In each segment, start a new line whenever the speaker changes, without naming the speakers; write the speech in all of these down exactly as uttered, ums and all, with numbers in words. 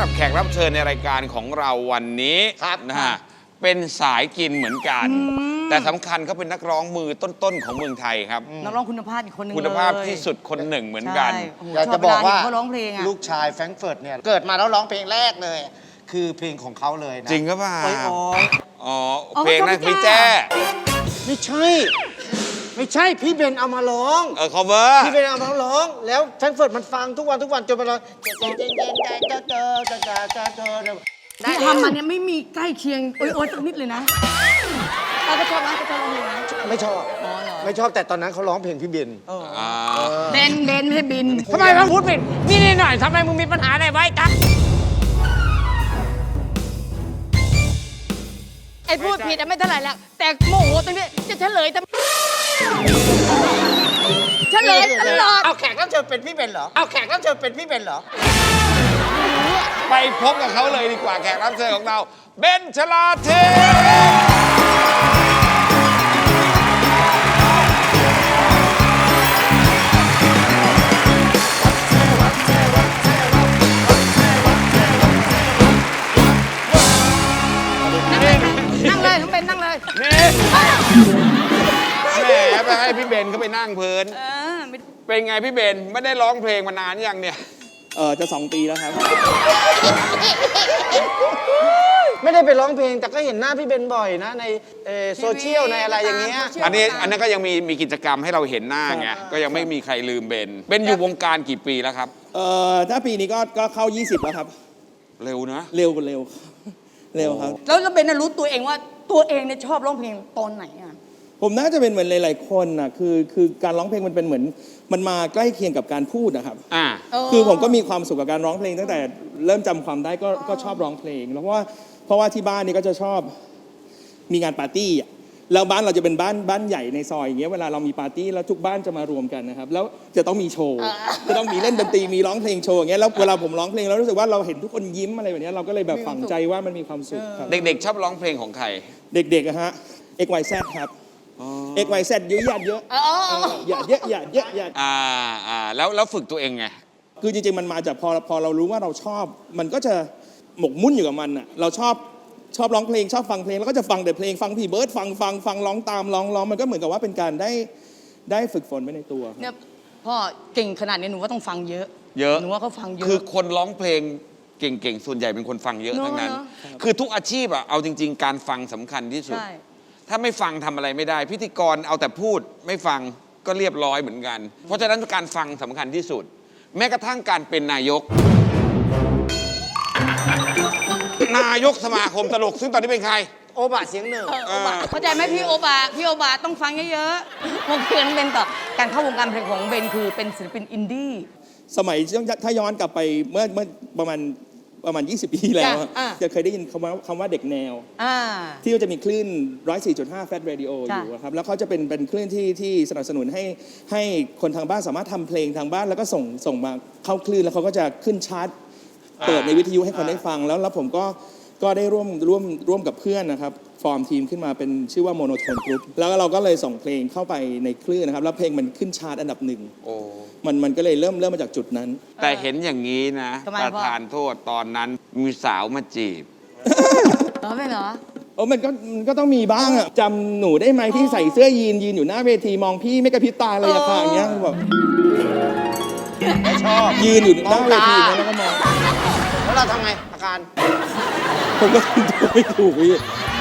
รับแขกรับเชิญในรายการของเราวันนี้นะฮะเป็นสายกินเหมือนกันแต่สำคัญเขาเป็นนักร้องมือต้นๆของเมืองไทยครับ
นักร้องคุณภาพอีกคนนึง
คุณภาพที่สุดคนหนึ่งเหมือนกัน
อยากจะบอกว่า
ลู
กชายแฟรงก์เฟิร์ตเนี่ยเกิดมาแล้วร้องเพลงแรกเลยคือเพลงของเขาเลยนะ
จริงหรือเปล่าอ๋อเพ
ล
งนั้นพี่แจ้
ไม่ใช่ไม่ใช่พี่เบนเอามาร้อง
เออ cover
พี่เบนเอามาร้องแล้วแฟรงก์เฟิร์ตมันฟังทุกวันทุกวันจนมัน
ที่ทำมันเนี่ยไม่มีใกล้เคียงโอ๊ยโอ๊ยสักนิดเลยนะเราก็ชอบนะก็ชอบร้องเพลงนะ
ไม่ชอบไม่ชอบแต่ตอนนั้นเขาร้องเพลงพี่เบน
เบนเบนไม่ใช่บิน
ทำไมมึงพูดผิดนี่นี่หน่อยทำไมมึงมีปัญหาอะไรไว้จ๊ะ
ไอ้พูดผิดไม่เท่าไหร่แล้วแต่โมโหตรงนี้จะเฉลยทำเฉลยตลอด
เอาแขกรับเชิญเป็นพี่เบนเหรอเอาแขกรับเชิญเป็นพี่เบนเหรอ
ไปพบกับเขาเลยดีกว่าแขกรับเชิญของเราเบนชลาเท
นั่งเลยทั้งเบนนั่งเลย
นี่แหมไปให้พี่เบนเขาไปนั่งเพลินเป็นไงพี่เบนไม่ได้ร้องเพลงมานานยังเนี่ย
เออจะสองปีแล้วครับ
ไม่ได้ไปร้องเพลงแต่ก็เห็นหน้าพี่เบนบ่อยนะในโซเชียลในอะไรอย่างเงี้ย
อันนี้อันนั้นก็ยังมีมีกิจกรรมให้เราเห็นหน้าไงก็ยังไม่มีใครลืมเบนเบนอยู่วงการกี่ปีแล้วครับ
เออถ้าปีนี้ก็ก็เข้ายี่สิบแล้วครับ
เร็วนะ
เร็วกว่าเร็วเร็วครับ
แล้วแล้วเบนรู้ตัวเองว่าตัวเองเนี่ยชอบร้องเพลงตอนไหนอ่ะ
ผมน่าจะเป็นเหมือนหลายๆคนน่ะคือคือการร้องเพลงมันเป็นเหมือนมันมาใกล้เคียงกับการพูดนะครับ
อ่า
คือผมก็มีความสุขกับการร้องเพลงตั้งแต่เริ่มจำความได้ก็ก็ชอบร้องเพลงแล้วเพราะว่าเพราะว่าที่บ้านนี่ก็จะชอบมีงานปาร์ตี้อ่ะแล้วบ้านเราจะเป็นบ้านบ้านใหญ่ในซอยอย่างเงี้ยเวลาเรามีปาร์ตี้แล้วทุกบ้านจะมารวมกันนะครับแล้วจะต้องมีโชว์จะต้องมีเล่นดนตรีมีร้องเพลงโชว์อย่างเงี้ยแล้วเวลาผมร้องเพลงเรารู้สึกว่าเราเห็นทุกคนยิ้มอะไรแบบนี้เราก็เลยแบบฝังใจว่ามันมีความสุขครับ
เด็กๆชอบร้องเพลงของใคร
เด็กๆอะฮะ เอ็กซ์ วาย แซด ครับเอ็กซ์ วาย แซด เยอะหยาดเยอะหยาดเยอะหยาดเยอะหยาด
อ่าอ่าแล้วแล้วฝึกตัวเองไง
คือจริงๆมันมาจากพอพอเรารู้ว่าเราชอบมันก็จะหมกมุ่นอยู่กับมันอ่ะเราชอบชอบร้องเพลงชอบฟังเพลงแล้วก็จะฟังแต่เพลงฟังพี่เบิร์ดฟังฟังฟังร้องตามร้องร้องมันก็เหมือนกับว่าเป็นการได้ได้ฝึกฝนไปในตัว
เนี่ยพ่อเก่งขนาดนี้หนูว่าต้องฟังเยอะ
เยอะ
หนูว่าเขาฟังเยอะ
คือคนร้องเพลงเก่งๆส่วนใหญ่เป็นคนฟังเยอะทั้งนั้นคือทุกอาชีพอะเอาจริงๆการฟังสำคัญที่สุดถ้าไม่ฟังทำอะไรไม่ได้พิธีกรเอาแต่พูดไม่ฟังก็เรียบร้อยเหมือนกันเพราะฉะนั้นการฟังสำคัญที่สุดแม้กระทั่งการเป็นนายกนายกสมาคมตลกซึ่งตอนนี้เป็นใคร
โอบะเสียงหนึ่ง
เข้าใจไหมพี่โอบะพี่โอบะต้องฟังเยอะๆผมเพื่อนเบนต่อการเข้าวงการเพลงของเบนคือเป็นศิลปินอินดี้
สมัยถ้าย้อนกลับไปเมื่อเมื่อประมาณประมาณยี่สิบปีแล้วจะเคยได้ยินคำว่าคำว่าเด็กแนวที่จะมีคลื่น หนึ่งร้อยสี่จุดห้า แฟลต เรดิโอ อยู่ครับแล้วเขาจะเป็นเป็นคลื่นที่ที่สนับสนุนให้ให้คนทางบ้านสามารถทำเพลงทางบ้านแล้วก็ส่งส่งมาเข้าคลื่นแล้วเขาก็จะขึ้นชาร์ตเปิดในวิทยุให้คนได้ฟังแล้วแล้วผมก็ก็ได้ร่วมร่วมร่วมกับเพื่อนนะครับฟอร์มทีมขึ้นมาเป็นชื่อว่าโมโนโทนกรุ๊ปแล้วเราก็เลยส่งเพลงเข้าไปในคลื่นนะครับแล้วเพลงมันขึ้นชาร์ตอันดับหนึ่งมันมันก็เลยเริ่มเริ่มมาจากจุดนั้น
แต่เห็นอย่างนี้นะประธานโทษตอนนั้นมีสาวมาจีบ
เหรอไม่เหรอ
โอ้มันก็มันก็ต้องมีบ้างอะจำหนูได้ไหมที่ใส่เสื้อยีนยืนอยู่หน้าเวทีมองพี่ไม่กระพริบตาเลยอะค่ะอย่างเงี้ยแบบ
ไม่ชอบ
ยืนอยู่หน้าเวทีแล้วก็มอง
แล้วเราทำไงอาการ
ผมก็ทำไม่ถูกพี่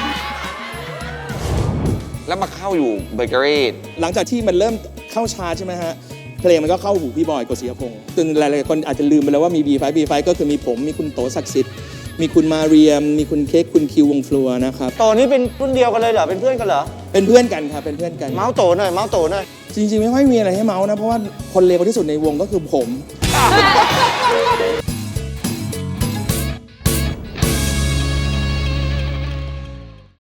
แล้วมาเข้าอยู่เบเกอรี่
หลังจากที่มันเริ่มเข้าชาร์ตใช่ไหมฮะเพลงมันก็เข้าหูพี่บอยกฤษณพงศ์จนหลายๆคนอาจจะลืมไปแล้วว่ามี บี ไฟว์ บี ไฟว์ ก็คือมีผมมีคุณโตศักดิ์สิทธิ์มีคุณมาเรียมมีคุณเค้กคุณคิววงฟลัวนะครับ
โตนี่เป็นรุ่นเดียวกันเลยเหรอเป็นเพื่อนกันเหรอ
เป็นเพื่อนกันครับเป็นเพื่อนกัน
เมาส์โตหน่อยเมาส์โตหน่อย
จริงๆไม่ค่อยมีอะไรให้เมาส์นะเพราะว่าคนเลวที่สุดในวงก็คือผม